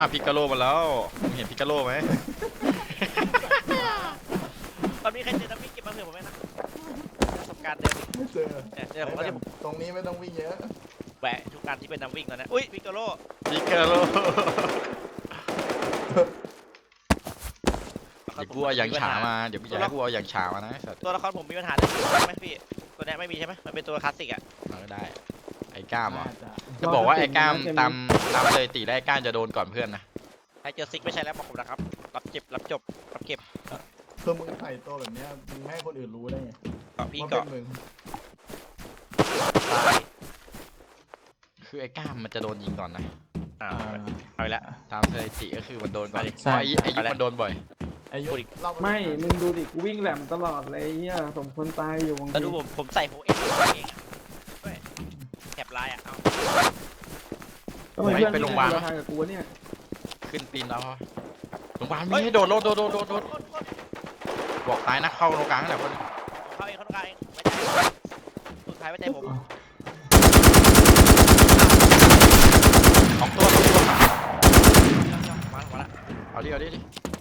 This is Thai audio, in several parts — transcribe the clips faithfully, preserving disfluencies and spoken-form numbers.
อ่ะพิกาโลมาแล้วมึงเห็นพิกาโลไหมตอนนี้ใครเจอน้ำวิ่งเก็บมาเผื่อผมไหมนะประสบการณ์เดิมไม่เจอเนี่ยเจอผมก็จะตรงนี้ไม่ต้องวิ่งเยอะแหวะทุกการที่เป็นน้ำวิ่งแล้วนะอุ้ยพิกาโลพิกาโลเดี๋ยวกูเอาอย่างฉามาเดี๋ยวกูอยากให้กูเอาอย่างฉามานะไอ้สัตว์ตัวละครผมมีปัญหาเรื่องไหมพี่ตัวนี้ไม่มีใช่ไหมมันเป็นตัวคลาสสิกอ่ะเอาก็ได้ไอ้ก้ามอ่ะน่าจะจะบอกว่าไอ้ก้ามตามตามเลยตีได้ไอ้ก้ามจะโดนก่อนเพื่อนนะใครเจอซิกไม่ใช่แล้วบอกผมนะครับรับเจ็บรับจบรับเก็บคือมึงใส่ตัวแบบเนี้ยมึงไม่ให้คนอื่นรู้ได้ไงเกาะพี่ว่าเกาะเป็นมึงตายคือไอ้ก้ามมันจะโดนยิงก่อนนะอ่าอ่าเอาไปละตามสถิติก็คือมันโดนก่อนไปดิเพราะไอ้ไอ้ยุคมันโดนบ่อยอายุเล่าาไม่ มึงดูดิ กูวิ่งแหลมตลอดเลยเนี่ยสมควรตายอยู่บางแล้วทีดูผมผมใส่โฮเอ็กเองอะด้วยแถบลายอ่ะเอาทำไมเพื่อนไปโรงพยาบาลทางกับกูเนี่ยขึ้นปีนแล้วโรงพยาบาลมีให้โดดโดดโดดโดดโดดโดดบอกตายนะเข้าตรงกลางแต่คนเขาเองเขาต้องการเองไว้ใจสุดท้ายไว้ใจผมสองตัวสองตัวมาหมดละเอาดิเอาดิดิ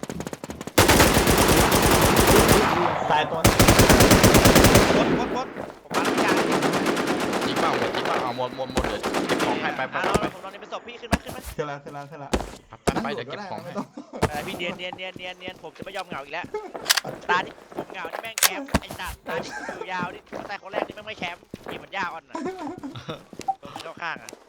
ตายตัวกดกดกดผมมาแล้วพี่การจริงเปล่าหมดจริงเปล่าเอาหมดหมดหมดเดี๋ยวเก็บของให้ไปไปอ่ะไปเราไปผมนอนในเป็นศพพี่ขึ้นมาขึ้นมาขึ้นแล้วขึ้นแล้วขึ้นแล้วไปไปเดี๋ยวเก็บของให้ไม่ต้องอะไรพี่เนียนเนียนเนียนเนียนเนียนผมจะไม่ยอมเหงาอีกแล้วตาที่ผมเหงาที่แม่งแคมป์ไอ้จัดตาที่อยู่ยาวนี่แต่คนแรกนี่แม่งไม่แคมป์นี่มันยาวอ่อนน่ะตัวที่เข้าข้างอ่ะ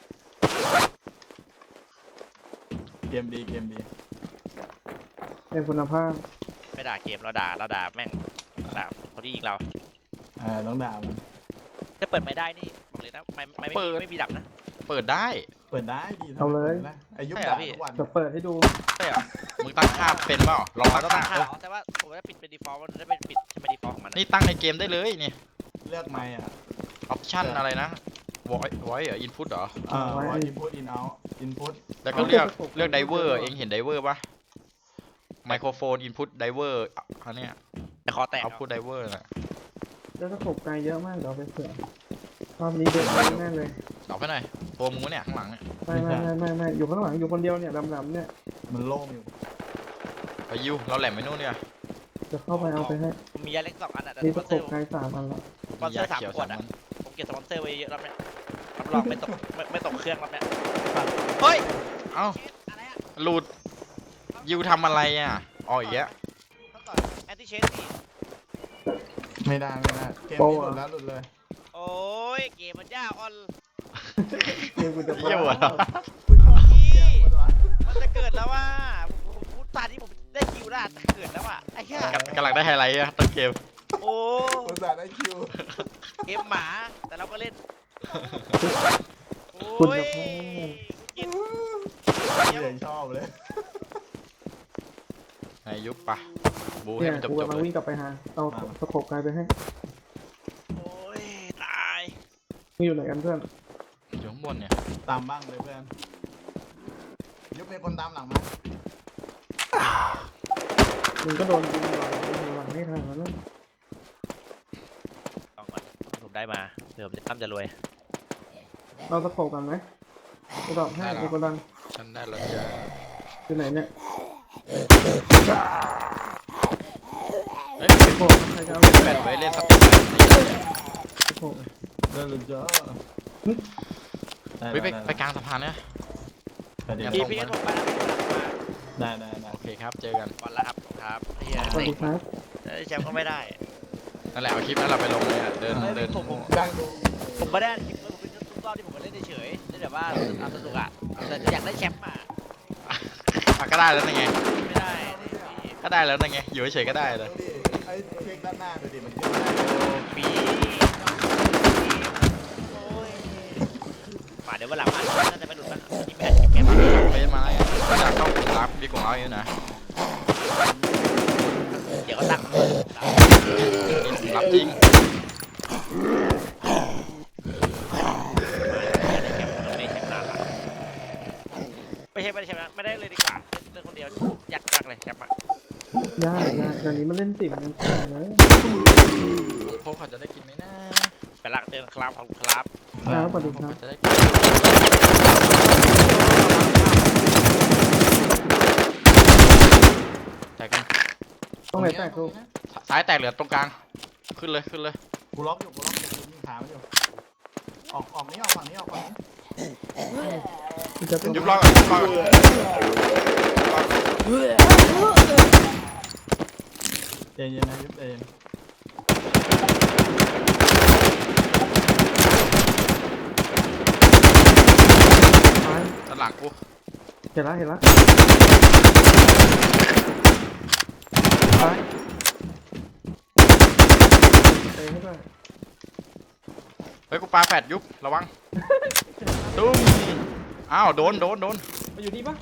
เกมดีเกมดีเป็นคุณภาพไม่ด่าเกมเราด่าเราด่าแม่งด่าคนที่ยิงเราอ่าต้องด่ามันถ้าเปิดไม่ได้นี่บอกเลยนะไม่ไม่ไม่มีไม่มีดับนะเปิดได้เปิดได้ดีเอาเลยนะอายุใช่เหรอด่าพี่ทุกวันจะเปิดให้ดูใช่เหรอมึงตั้งค่าเป็นเปล่าลองตั้งต้องตั้ค่างค่าเหรอแต่ว่าผมจะปิดเป็น default มันจะเป็นปิดใช่ไหม default ของมันนี่ตั้งในเกมได้เลยนี่เลือกไม่อ่ะออปชั่นอะไรนะ voice voice เหรอ input เหรออ่าไว้ว่า input in out input แล้วก็เลือกเลือก diver เองเห็น diver ปะไมโครโฟน input diver อันเนี้ยแต่คอแตก output diver น่ะแล้วสกบไกลเยอะมากเดี๋ยวเอาไปเผื่อรอบนี้เด็ดแน่เลยตอบไปหน่อยตัวมึงวะเนี่ยข้างหลังเนี่ยไม่ไม่ไม่ไม่ไม่อยู่ข้างหลังอยู่คนเดียวเนี่ยดำๆเนี่ยมันโล่งอยู่ไปยูเราแหลมไปนู่นเนี่ยจะเข้าไปเอาไปให้ผมมียาเล็กสองอันอ่ะแต่มีสสปอนกเซอบ ร์ไกลสามอันละสปอนเซอร์สามยาขียวขวดอ่ะมันผมเก็บสปอนเซอร์ไว้เยอะรอบเนี้ยรับรองไม่ตกไม่ไม่ตกเครื่องรอบเนี้ยเฮ้ยเอ้าเชสอะไรอ่ะหลุดยูทำอะไรอ่ะอ๋ออีกแล้วต้องต่อแอนติเชสนี่ไม่ได้ไม่ได้เกมนี้หลุดแล้วหลุดเลยโอ้ยเกมมันยากออนเดี๋ยวกูจะเยี่ยวเหรอพี่มันจะเกิดแล้วว่าผมผมพูดตาที่ผมได้คิวได้จะเกิดแล้วอ่ะไอ้เหี้ยกำลังได้ไฮไลท์อะต้นเกมโอ้อุตส่าห์ได้คิวเกมหมาแต่เราก็เล่นคุณโอ้ยจะพูดกินเดี๋ยวชอบเลยในยุคปะบูให้เนี่ยมันจบกูจบกำลังเลยวิ่งกลับไปหาเอาสกบไกลไปให้โอ้ยตายมึงอยู่ไหนกันเพื่อนอยู่ข้างบนเนี่ยตามบ้างเลยเพื่อนยุบมีคนตามหลังมามึงก็โดนยิงหลังยิงหลังไม่ทันแล้วนะต้องก่อนผมได้มาเดี๋ยวผมจะตั้มจะรวยเราสกบกันไหมกูตอบให้ไอ้กดังฉันได้แล้วจ้าอยู่ไหนเนี่ยเฮ้ยโอ้ใครจะเอาแปดไว้เล่นสติ๊กเกอร์นี่เลยเนี่ยโอ้เดินหลุดเยอะเฮ้ยไปไปกลางสะพานเนี่ยแต่เดี๋ยวพี่พี่งั้นผมไปแล้วพี่ผมมาได้ได้ได้โอเคครับเจอกันก่อนละครับครับเฮียสวัสดีครับแชมป์ก็ไม่ได้นั่นแหละเอาคลิปนั้นเราไปลงเลยอะเดินเดินผมผมดังดูผมไม่ได้คลิปผมเป็นทุกรอบที่ผมมาเล่นเฉยๆเล่นแบบว่าเอาสนุกอ่ะแต่อยากได้แชมป์อ่ะอ่ะก็ได้แล้วนั่นไงไม่ได้นี่พี่ก็ได้แล้วนั่นไงอยู่เฉยๆก็ได้เลยดูดิไอ้เช็คด้านหน้าดูดิมันขึ้นได้ปีโอ้ยมาเดี๋ยววันหลังมาน่าจะไปหลุดนะนี่ไม่อาจจะเก็บเฟซมาแล้วก็จะเข้ากลุ่มลับดีกว่าเราอยู่นะเดี๋ยวก็ตั้งนี่กลุ่มลับจริงไม่ใช่ไม่ได้แชมป์นะไม่ได้เลยดีกว่าเล่นคนเดียวยักยักเลยแชมป์อะยากยากตอนนี้มันเล่นสิบมันขาดเลยพวกเขาจะได้กินไหมนะไปละเดินครับขอบคุณครับครับสวัสดีครับจะได้กินรงไหนแตกตรกูงนี้นะซ้ายแตกเหลือตรงกลางขึ้นเลยขึ้นเลยกูล็อกอยู่กูล็อกอยู่กูยิงขามันอยู่ออกออกนี้ออกฝั่งนี้ออกฝั่งนี้กูจะเป็นยุบรอก่อนยุบรอก่อนใจเย็นนะยุบเองซ้ายด้านหลังกูเห็นละเห็นละซ้ายเตะให้ด้วยเฮ้ยกูปาแฟดยุบระวังตุ้มอ้าวโดนโดนโดนมาอยู่นี่ปะ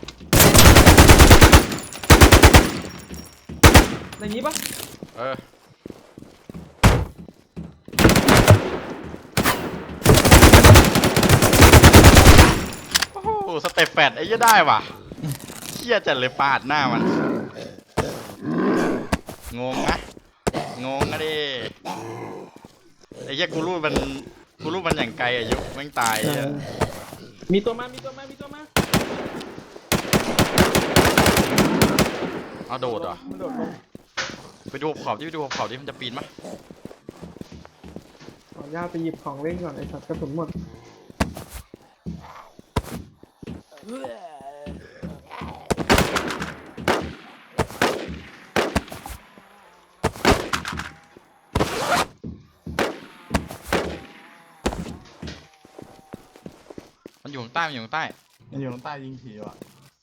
ในนี้ปะเออโอ้โหสเต็ปแฟดไอ้เหี้ยได้ว่ะเหี้ยจัดเลยปาดหน้ามันงงนะงงนะดิไอ้เหี้ยกูรู้มันกูรู้มันอย่างไกลอะยุบแม่งตายไอ้เหี้ยมีตัวมา มีตัวมา มีตัวมาเอาโดดเหรอมันโดดลงไปดูขอบที่ไปดูขอบที่มันจะปีนมั้ยขออนุญาตไปหยิบของเล่นก่อนไอ้สัตว์กระสุนหมดมันอยู่ข้างใต้มันอยู่ข้างใต้มันอยู่ข้างใต้ยิงผีว่ะ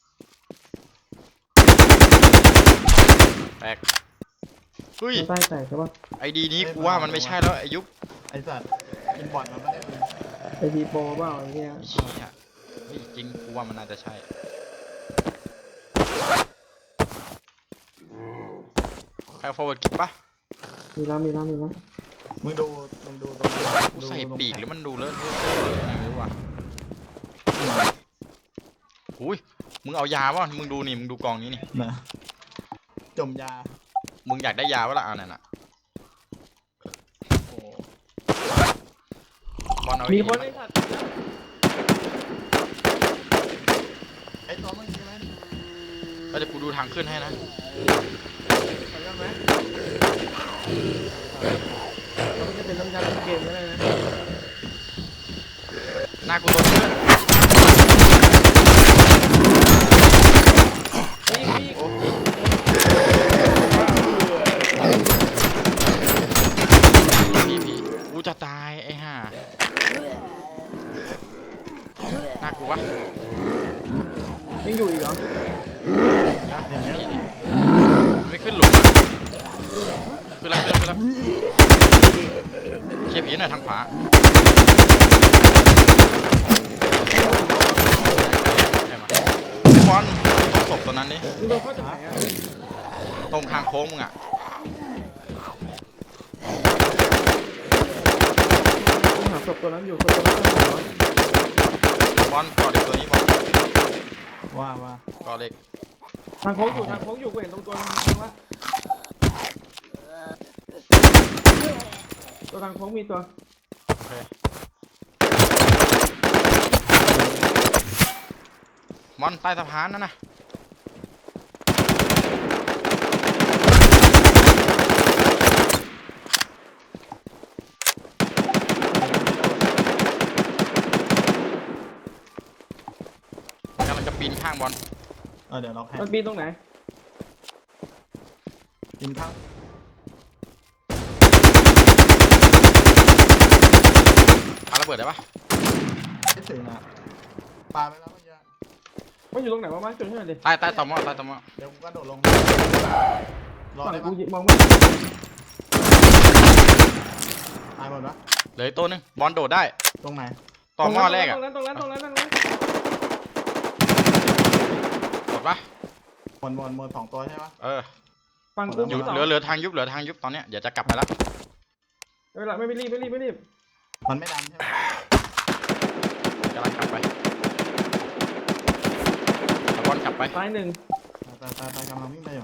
แตกเฮ้ยใต้แตกใช่ปะไอดีนี้กูว่ามันไม่ใช่แล้วไอยุบไอ้สัตว์กินบอลมันไม่ได้เลยไอพีโปรเปล่าไอ้เนี่ยไอ้เชี่ยเฮ้ยจริงกูว่ามันน่าจะใช่ใคร forward กิปปะมีแล้วมีแล้วมีแล้วมึงดูมึงดูตรงนี้กูดูใส่ตรงปีกหรือมันดูเลอะเทอะอะไรไม่รู้ว่ะอุ้ยมึงเอายาวะมึงดูนี่มึงดูกองนี้นี่นะจมยามึงอยากได้ยาวะล่ะเอานั่นน่ะโอ้บอลเอามีมีคนไอ้สัตว์ไอ้ตัวเมื่อกี้ไหมก็จะกูดูทางขึ้นให้นะขออนุญาตไหมเราจะเป็นน้ำยาเล่นเกมก็ได้นะหน้ากูโดนเพื่อนมีมีโอ้พี่พี่กูจะตายไอ้ห่าหน้ากูวะยังอยู่อีกเหรออย่างเงี้ยไม่ขึ้นหลุมอะขึ้นแล้วขึ้นแล้วขึ้นแล้วเชียร์ผีหน่อยทางขวาได้มาบอลต้องศพตัวนั้นดิมึงโดนเข้าจากไหนอ่ะตรงทางโค้งมึงอ่ะมึงหาศพตัวนั้นอยู่ศพตัวนั้นอยู่เหรอบอลก่อเด็กตัวนี้บอลว่าว่าก่อเด็กทางโค้งอยู่ทางโค้งอยู่กูเห็นตรงตัวนึงว่าตัวทางโค้งมีตัวโอเคบอลใต้สะพานนั่นนะกำลังจะปีนข้างบอลเออเดี๋ยวล็อกให้มันปีนตรงไหนกินข้าวปาระเบิดได้ปะไม่ถึงอ่ะปลาไปแล้วเมื่อกี้มันอยู่ตรงไหนวะมาจุดให้หน่อยดิใต้ใต้ตอมอใต้ตอมอเดี๋ยวกูกระโดดลงรอฝั่งได้กูปะมองไม่เห็นตายหมดปะเหลืออกตัวหนึงบอลโดดได้ตรงไหนตอมอแรกตอ่ะรงนั้นตรงนั้นตรงนั้นตรงนั้นหมดปะหมดหมดหมดสองตัวใช่ปะเออฝั่งกูอยู่มีสองเหลือเหลือทางยุบเหลือทางยุบตอนเนี้ยเดี๋ยวจะกลับไปแล้วเวลาไม่ไม่รีบไม่รีบไม่รีบมันไม่ดันใช่ไหมกำลังกลับไปเอาบอลกลับไปซ้ายหนึ่งตายตายตายกำลังวิ่งไปอยู่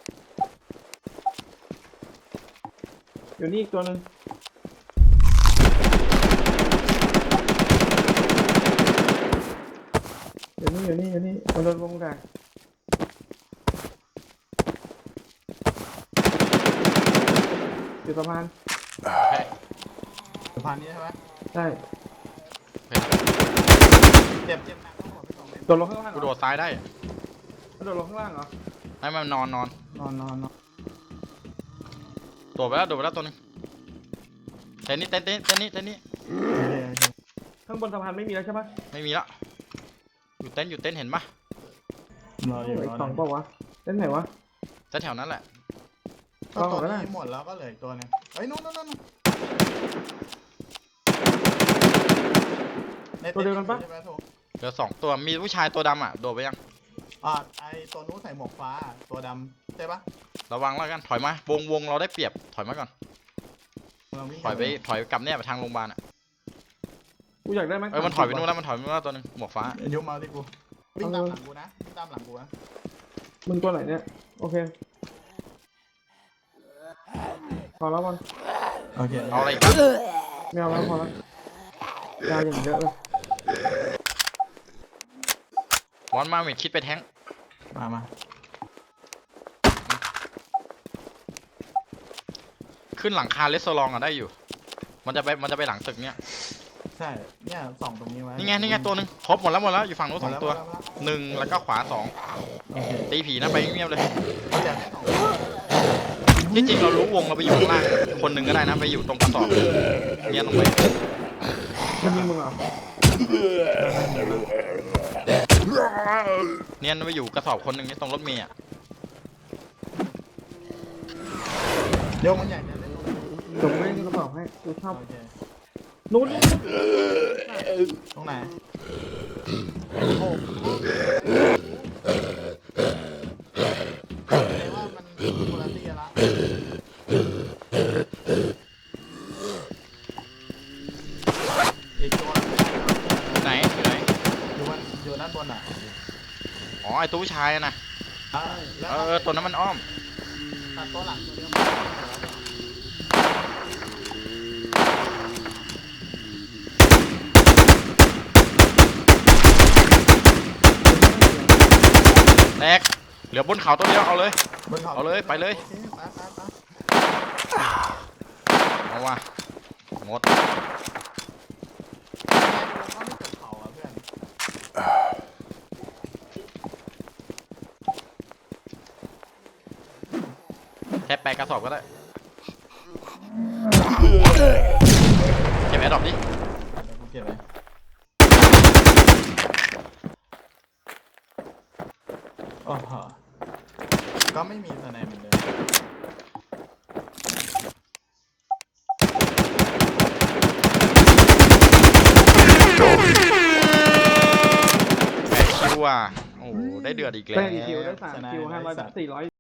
อยู่นี่อีกตัวหนึ่งอยู่นี่อยู่นี่อยู่นี่มันโดนวงแดกอยู่สะพานโอเคสะพานนี้ใช่ไหมใช่โอเคเจ็บเจ็บหนักต้องหมดไปสองเม็ดโดดลงข้างล่างเหรกูอโดดซ้ายได้โดดลงข้างล่างเหรอให้มันนอนนอนนอนนอนนอนโดดไปแล้วโดดไปแล้วตัวหนึงเต้นนี้เต้นเต้นเต้นนี้เต้นนี้โอเคโอเคข้างบนสะพานไม่มีแล้วใช่ปะไม่มีละอยู่เต้นอยู่เต้นเห็นปะรออยู่เหลือรอีอกสองเปล่าวะเล่นไหนวะเต้นแถวนั้นแหละก็ตัวนี้หมดแล้วก็เหลืออีกตัวหนึงเฮ้ยนู่นนู่นนู่นในต็ใช่ไหมถูกเหลือสองตัวมีผู้ชายตัวดำอ่ะโดดไปยังอ่าไอตัวนู้นใส่หมวกฟ้าตัวดำใช่ปะระวังแล้วกันถอยมาวงวงเราได้เปรียบถอยมาก่อนเราวิ่งถอยไปถอยกลับเนี่ยไปทางโรงพยาบาลอ่ะกูอยากได้ไหมเออมันถอยไปนู่นแล้วมันถอยไปนู่นแล้วตัวหนึงหมวกฟ้าอายุมาที่กูวิ่งตามหลังกูนะวิ่งตามหลังกูนะมึงตัวไหนเนี่ยโอเคพอแล้วบอลโอเคเอาอะไรอีกครับไม่เอาแล้วพอแล้วยาอย่างเยอะเลยวอนมาเมดคิดไปแท้งมามาขึ้นหลังคาเลสโซลองอ่ะได้อยู่ มันจะไปมันจะไปหลังตึกเนี่ยใช่เนี่ยส่องตรงนี้ไว้นี่ไงนี่ไงตัวหนึงครบหมดแล้วหมดแล้วอยู่ฝั่งนู้นสองตัวหมดแล้หมดแล้วหนึ่งแล้วก็ขวาสองโอเคตีผีนะไปเงียบๆเลยอยากได้สองตัวที่จริงเรารู้วงเราไปอยู่ข้างล่างคนหนึ่งก็ได้นะไปอยู่ตรงกระสอบเนี่ยลงไปมันยิงมึงเหรอเนี่ยไปอยู่กระสอบคนหนึ่งนี่ตรงรถเมย์อ่ะเดี๋ยวมันใหญ่จะได้ลงเดี๋ยวกูเล่นกระเป๋าให้กูชอบโอเคนู้นตรงไหนแปลว่ามันคนละที่ละอีกตัวไหนอยู่ไหนอยู่บนอยู่ด้านบนอ่ะอ๋อไอตัวผู้ชายอะนะอ่าแล้วเออเออตัวนั้นมันอ้อมตัดตัวหลังตัวเดียวแตกเหลือบนเขาตัวเดียวเอาเลยบนเขาเอาเลยไปเลยโอคไปไปไปเอาว่ะหมดก็ไม่เกิดเขาอ่ะเพื่อนแค่แปะกระสอบก็ได้เก็บแอร์ดรอปดิเดี๋ยวกูเก็บไว้โอ้โหก็ไม่มีสไนเหมือนเดิมแปดคิวอ่ะโอ้โหได้เดือดอีกแล้วได้กี่คิวได้สามคิวห้าร้อยสี่ร้อย